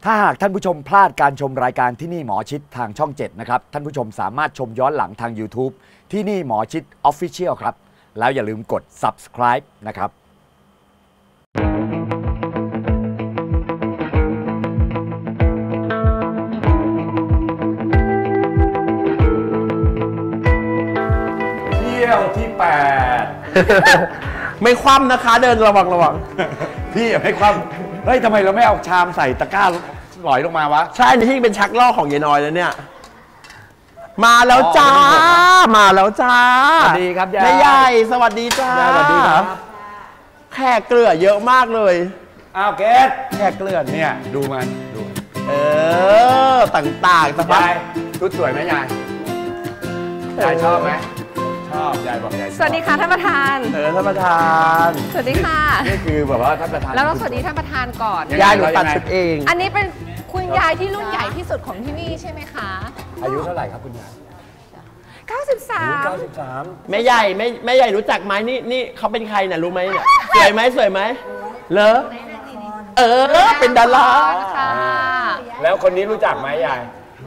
ถ้าหากท่านผู้ชมพลาดการชมรายการที่นี่หมอชิดทางช่อง 7 นะครับท่านผู้ชมสามารถชมย้อนหลังทาง YouTube ที่นี่หมอชิด Official ครับแล้วอย่าลืมกด Subscribe นะครับเที่ยวที่ 8 ไม่คว่ำนะคะเดินระวังพี่ไม่คว่ำเฮ้ยทำไมเราไม่เอาชามใส่ตะกร้าหลอยลงมาวะใช่นี่ที่เป็นชักล่อของยายน้อยแล้วเนี่ยมาแล้วจ้ามาแล้วจ้าสวัสดีครับยายแม่ใหญ่สวัสดีจ้าสวัสดีครับแขกเกลือเยอะมากเลยอ้าวเกศแขกเกลือเนี่ยดูมันต่างๆสบายชุดสวยไหมยายชอบไหมชอบยายบอกยายสวัสดีค่ะท่านประธานท่านประธานสวัสดีค่ะนี่คือแบบว่าท่านประธานแล้วเราสวัสดีท่านประธานก่อนยายหนูตัดชุดเองอันนี้เป็นคุณยายที่รุ่นใหญ่ที่สุดของที่นี่ใช่ไหมคะอายุเท่าไหร่ครับคุณยาย 93 แม่ใหญ่รู้จักไหมนี่เขาเป็นใครน่ะรู้ไหมเนี่ยสวยไหมเหรอเป็นดาราค่ะแล้วคนนี้รู้จักไหมยาย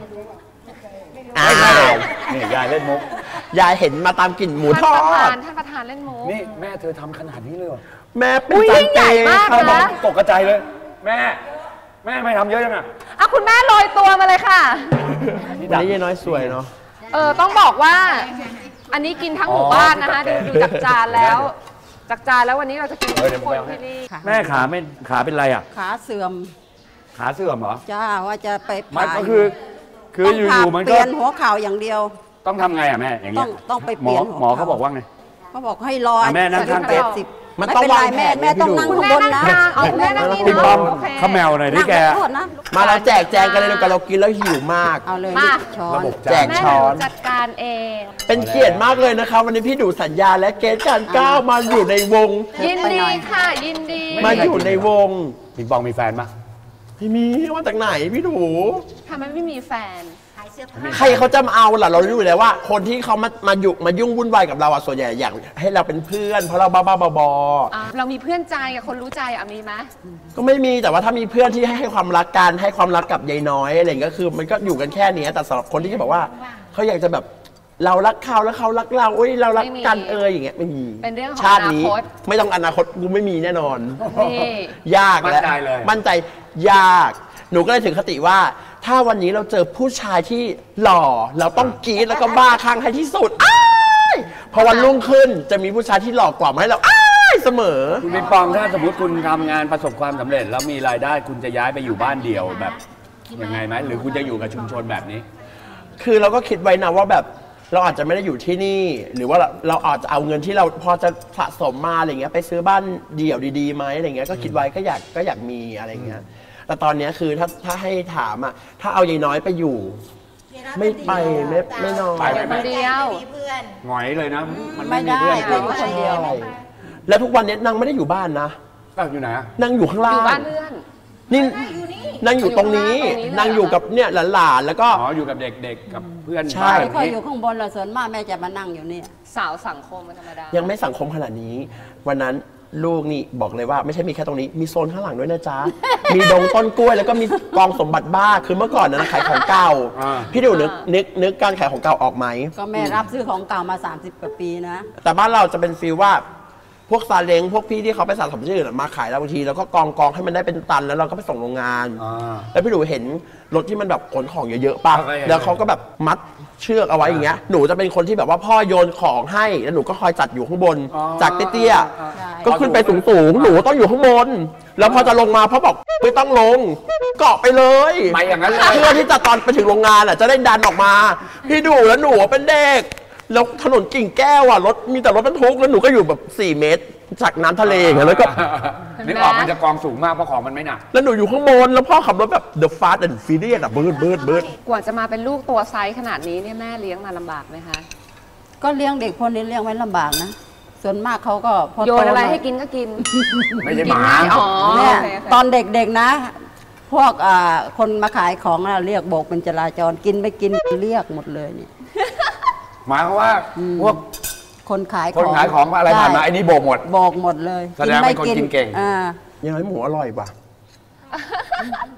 นี่ยายเล่นมุกยายเห็นมาตามกลิ่นหมูทอดท่านประธานเล่นมุกนี่แม่เธอทำขนาดนี้เลยแม่เป็นจานใหญ่มากนะตกกระจายเลยแม่ไม่ทำเยอะจังอ่ะคุณแม่โรยตัวมาเลยค่ะวันนี้ยายน้อยสวยเนาะต้องบอกว่าอันนี้กินทั้งหมู่บ้านนะคะดูจากจานแล้ววันนี้เราจะกินทุกคนที่นี่แม่ขาเป็นไรอ่ะขาเสื่อมเหรอจ้าว่าจะไปมันก็คืออยู่มันก็เปลี่ยนหัวเข่าอย่างเดียวต้องทำไงอ่ะแม่อย่างเงี้ยต้องไปเปลี่ยนหมอเขาบอกว่าไงเขาบอกให้รอแม่นั่งข้าง 80ไม่เป็นไรแม่ต้องนั่งข้างบนนะแม่นั่งนี่พี่ป้อมข้าแมวหน่อยดิแกมาเราแจกแจงกันเลยเรากินแล้วหิวมากเอาเลยช้อนแจกช้อนจัดการเองเป็นเกียรติมากเลยนะคะวันนี้พี่ดูสัญญาและเกณฑ์การก้าวมาอยู่ในวงยินดีค่ะยินดีมาอยู่ในวงพี่ป้อมมีแฟนปะไม่มีว่าจากไหนพี่ดูทำไมไม่มีแฟนใครเขาจะมาเอาล่ะเรารู้อยู่แล้วว่าคนที่เขามายุ่งวุ่นวายกับเราส่วนใหญ่อยากให้เราเป็นเพื่อนเพราะเราบ้าบอเรามีเพื่อนใจกับคนรู้ใจมีไหมก็ไม่มีแต่ว่าถ้ามีเพื่อนที่ให้ความรักกันให้ความรักกับยายน้อยอะไรก็คือมันก็อยู่กันแค่นี้แต่สำหรับคนที่จะบอกว่าเขาอยากจะแบบเรารักเขาแล้วเขารักเราเรารักกันอย่างเงี้ยไม่มีเป็นเรื่องของชาตินี้ไม่ต้องอนาคตกูไม่มีแน่นอนยากและมั่นใจยากหนูก็เลยถึงคติว่าถ้าวันนี้เราเจอผู้ชายที่หล่อเราต้องกรี๊ดแล้วก็บ้าคลั่งให้ที่สุดพอวันรุ่งขึ้นจะมีผู้ชายที่หล่อกว่ามาให้เราเสมอคุณปิงปองถ้าสมมติคุณทำงานประสบความสำเร็จแล้วมีรายได้คุณจะย้ายไปอยู่บ้านเดี่ยวแบบยังไงไหมหรือคุณจะอยู่กับชุมชนแบบนี้คือเราก็คิดไว้นะว่าแบบเราอาจจะไม่ได้อยู่ที่นี่หรือว่าเราอาจจะเอาเงินที่เราพอจะสะสมมาอะไรเงี้ยไปซื้อบ้านเดี่ยวดีๆไหมอะไรเงี้ยก็คิดไว้ก็อยากมีอะไรเงี้ยแต่ตอนนี้คือถ้าให้ถามถ้าเอายายน้อยไปอยู่ไม่ไปไม่นอนไปคนเดียวหงอยเลยนะมันไม่ได้ไปอยู่คนเดียวแล้วทุกวันนี้นางไม่ได้อยู่บ้านนะอยู่ไหนนางอยู่ข้างล่างอยู่บ้านเพื่อนนี่นางอยู่ตรงนี้นางอยู่กับเนี่ยหลานๆแล้วก็อยู่กับเด็กๆกับเพื่อนใช่ไม่ค่อยอยู่ข้างบนเราส่วนมากแม่จะมานั่งอยู่นี่สาวสังคมธรรมดายังไม่สังคมขนาดนี้วันนั้นลูกนี่บอกเลยว่าไม่ใช่มีแค่ตรงนี้มีโซนข้างหลังด้วยนะจ๊ะมีดงต้นกล้วยแล้วก็มีกองสมบัติบ้าคือเมื่อก่อนนะขายของเก่าพี่ดูนึกการขายของเก่าออกไหมก็แม่รับซื้อของเก่ามา30 กว่าปีนะแต่บ้านเราจะเป็นฟีลว่าพวกซาเล้งพวกพี่ที่เขาไปสะสมชื่อมาขายเราบางทีแล้วก็กองให้มันได้เป็นตันแล้วเราก็ไปส่งโรงงานแล้วพี่ดูเห็นรถที่มันแบบขนของเยอะๆป่ะแล้วเขาก็แบบมัดเชือกเอาไว้อย่างเงี้ยหนูจะเป็นคนที่แบบว่าพ่อโยนของให้แล้วหนูก็คอยจัดอยู่ข้างบนจากเตี้ยๆก็ขึ้นไปสูงๆหนูต้องอยู่ข้างบนแล้วพอจะลงมาพ่อบอกไม่ต้องลงเกาะไปเลยไม่อย่างนั้นเพื่อที่จะตอนไปถึงโรงงานจะได้ดันออกมาพี่ดูแล้วหนูเป็นเด็กแล้วถนนกิ่งแก้วรถมีแต่รถบรรทุกแล้วหนูก็อยู่แบบ4 เมตรจากน้ำทะเลแล้วก็นึกออกมันจะกองสูงมากเพราะของมันไม่หนักแล้วหนูอยู่ข้างบนแล้วพ่อขับรถแบบ The Fast and Furious เบิร์ดกว่าจะมาเป็นลูกตัวไซส์ขนาดนี้เนี่ยแม่เลี้ยงมาลำบากไหมคะก็เลี้ยงเด็กพวกนี้เลี้ยงไว้ลำบากนะส่วนมากเขาก็โยนอะไรให้กินก็กินไม่ใช่หมาเนี่ยตอนเด็กๆนะพวกคนมาขายของเรียกโบกเป็นจราจรกินไม่กินเรียกหมดเลยเนี่ยหมายความว่าพวกคนขายของอะไรผ่านมาไอ้นี่โบกหมดเลยแสดงเป็นคนกินเก่งยังไงหมูอร่อยป่ะ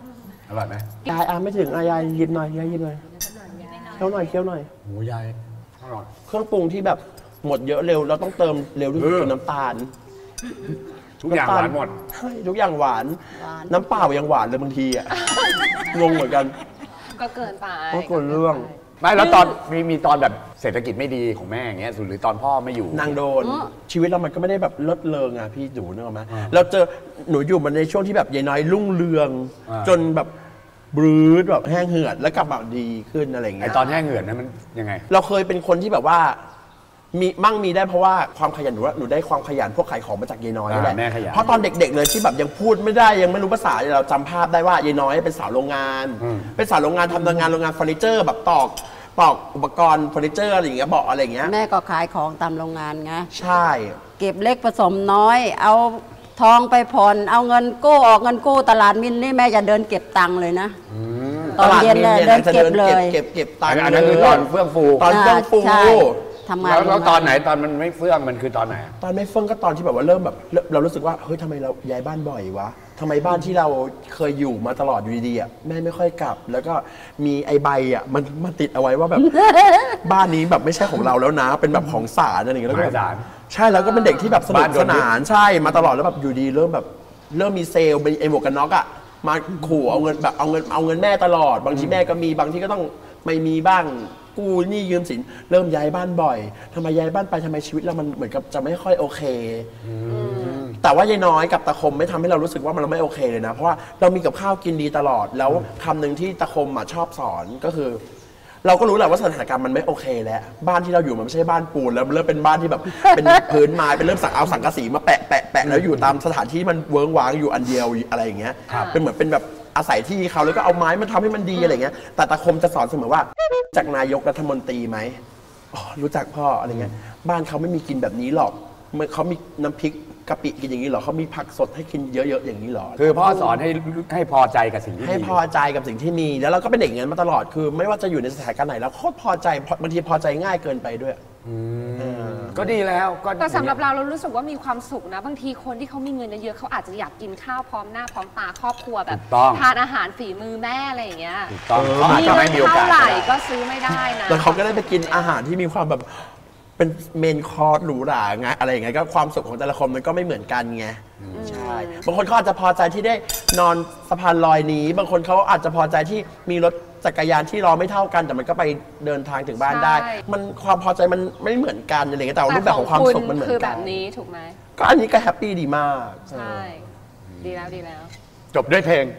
อร่อยไหมยายไม่ถึงยายยิบหน่อยยายยิบหน่อยเคี้ยวหน่อยเคี้ยวหน่อยโอ้ยายอร่อยเครื่องปรุงที่แบบหมดเยอะเร็วเราต้องเติมเร็วที่สุดคือน้ำตาลทุกอย่างหวานหมดใช่ทุกอย่างหวานน้ำเปล่ายังหวานเลยบางทีอ่ะงงเหมือนกันก็เกินไปก็เกินเรื่องไม่แล้วตอนมีตอนแบบเศรษฐกิจไม่ดีของแม่อย่างเงี้ยหรือตอนพ่อไม่อยู่นางโดนชีวิตเรามันก็ไม่ได้แบบเลิศเลงอ่ะพี่ดูนึกออกไหมเราเจอหนูอยู่มันในช่วงที่แบบยายน้อยรุ่งเรืองจนแบบบรื้ดแบบแห้งเหือดแล้วกลับมาดีขึ้นอะไรอย่างเงี้ยตอนแห้งเหือดนั้นมันยังไงเราเคยเป็นคนที่แบบว่ามีได้เพราะว่าความขยันหนูได้ความขยันพวกขายของมาจากยายน้อยนี่แหละเพราะตอนเด็กๆเลยที่แบบยังพูดไม่ได้ยังไม่รู้ภาษาเราจำภาพได้ว่ายายน้อยเป็นสาวโรงงานเป็นสาวโรงงานทำงานโรงงานเฟอร์นิเจอร์แบบตอกอุปกรณ์เฟอร์นิเจอร์อะไรอย่างเงี้ยบอกอะไรอย่างเงี้ยแม่ก็ขายของตามโรงงานไงใช่เก็บเล็กผสมน้อยเอาทองไปผ่อนเอาเงินกู้ออกเงินกู้ตลาดมินนี่แม่จะเดินเก็บตังค์เลยนะตอนเย็นเดินเก็บเลยเก็บตังค์อันนั้นคือตอนเฟื่องฟูตอนเฟื่องฟูทำงานแล้วตอนไหนตอนมันไม่เฟื่องมันคือตอนไหนตอนไม่เฟื่องก็ตอนที่แบบว่าเริ่มแบบเรารู้สึกว่าเฮ้ยทำไมเราย้ายบ้านบ่อยวะทำไมบ้านที่เราเคยอยู่มาตลอดอยู่ดีๆแม่ไม่ค่อยกลับแล้วก็มีไอใบมันติดเอาไว้ว่าแบบบ้านนี้แบบไม่ใช่ของเราแล้วนะเป็นแบบของศาลอะไรอย่างเงี้ยแล้วก็ใช่แล้วก็เป็นเด็กที่แบบสนุกสนานใช่มาตลอดแล้วแบบอยู่ดีเริ่มมีเซลล์ไอหมวกกันน็อกมาขู่เอาเงินแบบเอาเงินแม่ตลอดบางทีแม่ก็มีบางทีก็ต้องไม่มีบ้างกู้หนี้ยืมสินเริ่มย้ายบ้านบ่อยทำไมย้ายบ้านไปทำไมชีวิตเรามันเหมือนกับจะไม่ค่อยโอเคแต่ว่ายายน้อยกับตะคมไม่ทำให้เรารู้สึกว่ามันไม่โอเคเลยนะเพราะว่าเรามีกับข้าวกินดีตลอดแล้วคำหนึ่งที่ตะคมชอบสอนก็คือเราก็รู้แหละว่าสถานการณ์มันไม่โอเคแล้วบ้านที่เราอยู่มันไม่ใช่บ้านปูนแล้วมันเริ่มเป็นบ้านที่แบบเป็นพื้นไม้เป็นเริ่มเอาสังกะสีมาแปะแล้วอยู่ตามสถานที่มันเวิ้งว้างอยู่อันเดียวอะไรอย่างเงี้ยเป็นเหมือนเป็นแบบอาศัยที่เขาแล้วก็เอาไม้มาทำให้มันดีอะไรเงี้ยแต่ตะคมจะสอนเสมอว่าจากนายกรัฐมนตรีไหมรู้จักพ่ออะไรเงี้ยบ้านเขาไม่มีกินแบบนี้หรอกเขามีน้ำพริกกะปิกินอย่างนี้หรอเขามีผักสดให้กินเยอะๆอย่างนี้หรอคือพ่อสอนให้พอใจกับสิ่งที่ให้พอใจกับสิ่งที่มีแล้วเราก็เป็นเด็กอย่างนั้นมาตลอดคือไม่ว่าจะอยู่ในสถานการณ์ไหนแล้วโคตรพอใจบางทีพอใจง่ายเกินไปด้วยก็ดีแล้วแต่สำหรับเรารู้สึกว่ามีความสุขนะบางทีคนที่เขามีเงินเยอะๆเขาอาจจะอยากกินข้าวพร้อมหน้าพร้อมตาครอบครัวแบบทานอาหารฝีมือแม่อะไรอย่างเงี้ยถูกต้องมีเงินเท่าไหร่ก็ซื้อไม่ได้นะแล้วเขาก็ได้ไปกินอาหารที่มีความแบบเป็นเมนคอร์สหรูหราไงอะไรอย่างเงี้ยก็ความสุขของแต่ละคนมันก็ไม่เหมือนกันไงใช่บางคนเขาอาจจะพอใจที่ได้นอนสะพานลอยนี้บางคนเขาอาจจะพอใจที่มีรถจักรยานที่รอไม่เท่ากันแต่มันก็ไปเดินทางถึงบ้านได้มันความพอใจมันไม่เหมือนกันอะไรเงี้ยแต่รูปแบบของความสุขมันเหมือนกันคือแบบนี้ถูกไหมก็อันนี้ก็แฮปปี้ดีมากใช่ดีแล้วจบด้วยเพลง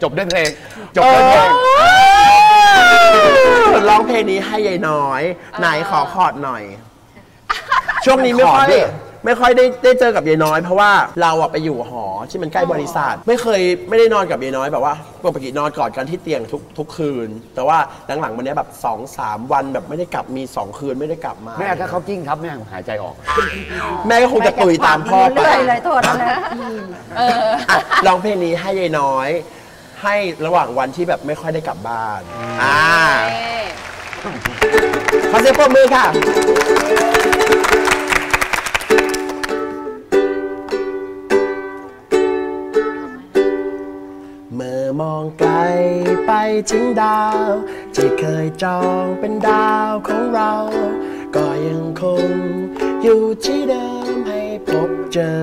ร้องเพลงนี้ให้ยายน้อยไหนขอคอร์ดหน่อยช่วงนี้ไม่ค่อยได้เจอกับยายน้อยเพราะว่าเราไปอยู่หอที่มันใกล้บริษัทไม่ได้นอนกับยายน้อยแบบว่าปกตินอนกอดกันที่เตียงทุกคืนแต่ว่าหลังๆวันนี้แบบ 2-3 วันแบบไม่ได้กลับมี2คืนไม่ได้กลับมาแม่ถ้าเขากิ้งทับแม่หายใจออกแม่ก็คงจะตุยตามพ่อไปเลยโทษนะร้องเพลงนี้ให้ยายน้อยให้ระหว่างวันที่แบบไม่ค่อยได้กลับบ้านขอเสียงปรบมือค่ะเมื่อมองไกลไปถึงดาวที่เคยจองเป็นดาวของเราก็ยังคงอยู่ที่เดิมให้พบเจอ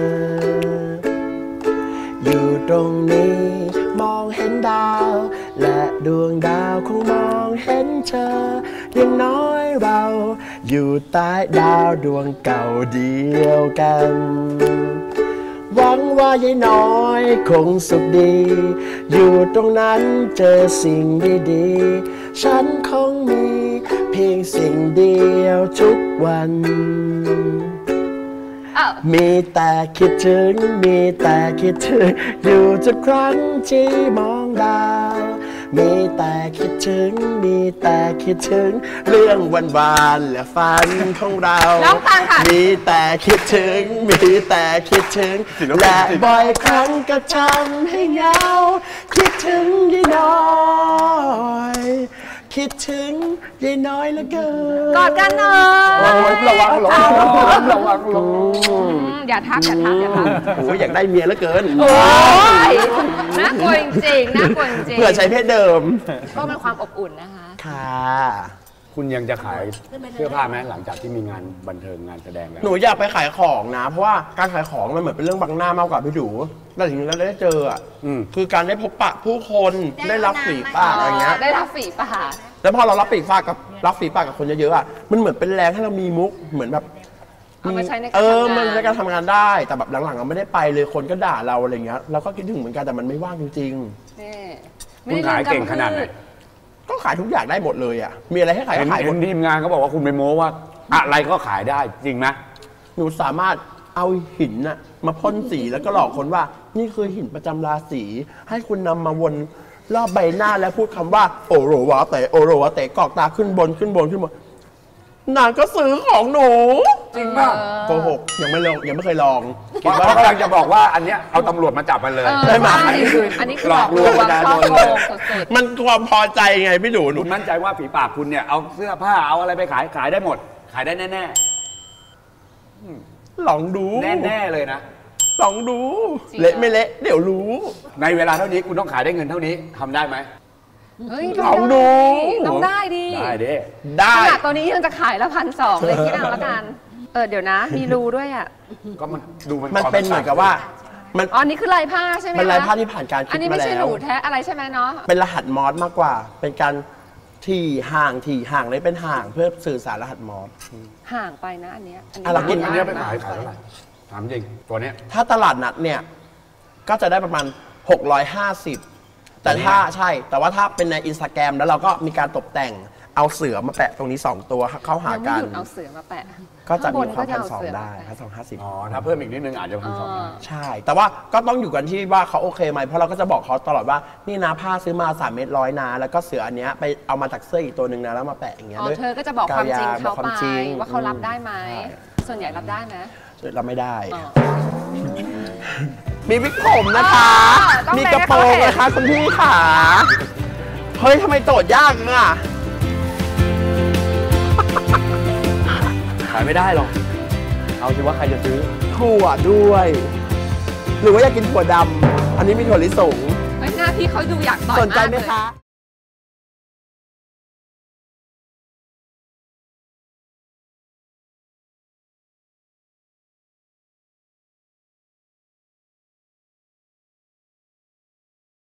อยู่ตรงนี้มองเห็นดาวและดวงดาวคงมองเห็นเธออย่างน้อยเราอยู่ใต้ดาวดวงเก่าเดียวกันหวังว่ายายน้อยคงสุขดีอยู่ตรงนั้นเจอสิ่งดีๆฉันคงมีเพียงสิ่งเดียวทุกวันมีแต่คิดถึงอยู่ทุกครั้งที่มองดาวมีแต่คิดถึงเรื่องวันๆและฝันของเรามีแต่คิดถึงและบ่อยครั้งก็ทำให้เหงาคิดถึงยายน้อยคิดถึงยายน้อยเหลือเกินกอดกันหน่อยระวังหลงระวังหลงอย่าทักอย่าทักอย่าทักโอ้ยอยากได้เมียเหลือเกินโอ้ยน่ากลัวจริงๆน่ากลัวจริงๆเผื่อใช้เพศเดิมก็เป็นความอบอุ่นนะคะค่ะคุณยังจะขายเสื้อผ้าไหมหลังจากที่มีงานบันเทิงงานแสดงแล้วหนูอยากไปขายของนะ เพราะว่าการขายของมันเหมือนเป็นเรื่องบังหน้ามากกว่าพี่ดูแต่ถึงเราได้เจออ่ะคือการได้พบปะผู้คนได้รับฝีปากอะไรเงี้ยได้รับฝีปากแล้วพอเรารับฝีปากกับคนเยอะๆอ่ะมันเหมือนเป็นแรงให้เรามีมุกเหมือนแบบเอามาใช้ในการทำงานมันในการทำงานได้แต่แบบหลังๆเราไม่ได้ไปเลยคนก็ด่าเราอะไรเงี้ยเราก็คิดถึงเหมือนกันแต่มันไม่ว่างจริงนี่คุณขายเก่งขนาดไหนๆก็ขายทุกอย่างได้หมดเลยอ่ะมีอะไรให้ขายก็ขายหมเห็ดนทีมงานเขาบอกว่าคุณไปโม้ว่าอะไรก็ขายได้จริงไหมหนูสามารถเอาหินน่ะมาพ่นสีแล้วก็หลอกคนว่านี่คือหินประจำราศีให้คุณนำมาวนรอบใบหน้าแล้วพูดคำว่าโอโรวาเตโอโรวาเตกอกตาขึ้นบนนางก็ซื้อของหนูจริงป่ะโกหกยังไม่เคยลองคิดว่าเขากำลังจะบอกว่าอันเนี้ยเอาตำรวจมาจับมันเลยได้ไหมอันนี้คือหลอกลวงประชาช่อชนโกเลยงสุดมันความพอใจไงพี่หนูคุณมั่นใจว่าฝีปากคุณเนี่ยเอาเสื้อผ้าเอาอะไรไปขายได้หมด ขายได้แน่ลองดูๆแน่ๆเลยนะลองดูเละไม่เละเดี๋ยวรู้ในเวลาเท่านี้คุณต้องขายได้เงินเท่านี้ทำได้ไหมๆเฮ้ยลองดูต้องได้ดิได้ดิได้ขนาดตัวนี้ยังจะขายละ1,200เลยคิดเอาละกันเดี๋ยวนะ มีรูด้วยอ่ะก็มันดูมันมันเป็นเหมือนกับว่ามันอ๋อนี่คือลายผ้าใช่ไหมเป็นลายผ้าที่ผ่านการคิอัดนนี้มาไม่ใช่แล้หวนูแท้อะไรใช่ไหมเนาะเป็นรหัสมอสมากกว่า เป็นการที่ห่างเลยเป็นห่างเพื่อสื่อสารรหัสมอสห่างไปนะอันเนี้ยอ่ะเรากินอันเนี้ยไปขายเท่าไหร่ถามจริงตัวเนี้ยถ้าตลาดนัดเนี่ย ก็จะได้ประมาณ 650 แต่ถ้าใช่ แต่ว่าถ้าเป็นในอินสตาแกรมแล้วเราก็มีการตกแต่งเอาเสือมาแปะตรงนี้ 2 ตัวเข้าหายังไม่กัหนยุดเอาเสือมาแปะก็จะมีความข้างบนก็จะเอา 1,200 เสือได้มาแปะ 1,250 อ๋อถ้าเพิ่มอีกนิดนึงอาจจะ1,200ได้ใช่ แต่ว่าก็ต้องอยู่กันที่ว่าเขาโอเคไหมเพราะเราก็จะบอกเขาตลอดว่านี่นะผ้าซื้อมา3 เมตร100นะแล้วก็เสืออันเนี้ยไปเอามาจากเสื้ออีกตัวหนึ่งนะแล้วมาแปะอย่างเงี้ยอ๋อด้วยเธอก็จะบอกความจริงบเขาอกควไปมจริงว่าเขารับได้ไหมส่วนใหญ่รับได้ไหมเราไม่ได้อ๋อมีวิกผมนะคะต้องมีกระโปรงเล็กให้เขาเห็นนะคะคุณพี่ขาเฮ้ยทำไมโจทย์ยากอ่ะขายไม่ได้หรอกเอาสิว่าใครจะซื้อถั่วด้วย หรือว่าอยากกินถั่วดำอันนี้มีถั่วลิสงเฮ้ยหน้าพี่เขาดูอยากต่อยสนใจมากไหมเลยคะ